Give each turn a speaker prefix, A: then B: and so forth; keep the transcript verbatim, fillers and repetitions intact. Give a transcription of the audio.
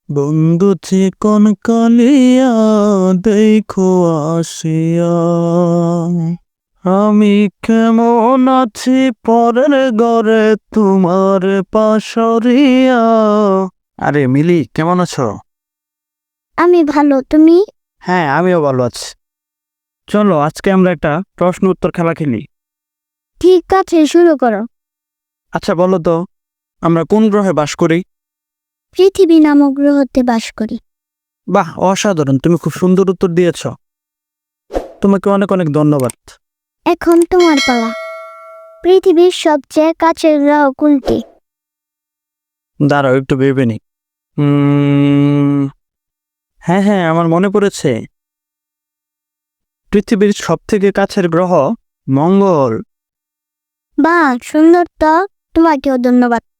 A: বন্ধু চিকন কালিয়া দেখো আসিয়া, আমি কেমন আছি পরের ঘরে তোমার পাশরিয়া। আরে মিলি, কেমন আছো?
B: আমি ভালো, তুমি?
A: হ্যাঁ, আমিও ভালো আছি। চলো আজকে আমরা একটা প্রশ্ন উত্তর খেলা খেলি।
B: ঠিক আছে, শুরু করো।
A: আচ্ছা বলো তো, আমরা কোন গ্রহে বাস করি?
B: পৃথিবী নামক গ্রহতে বাস করি।
A: বাহ, অসাধারণ, তুমি খুব সুন্দর উত্তর দিয়েছ। তোমাকে অনেক অনেক ধন্যবাদ।
B: এখন তোমার পালা। পৃথিবীর সবচেয়ে কাছের গ্রহ কোনটি?
A: দাঁড়াও একটু ভেবে নি। উম, হ্যাঁ হ্যাঁ, আমার মনে পড়েছে। পৃথিবীর সব থেকে কাছের গ্রহ মঙ্গল।
B: বাহ, সুন্দর তো। তোমাকেও ধন্যবাদ।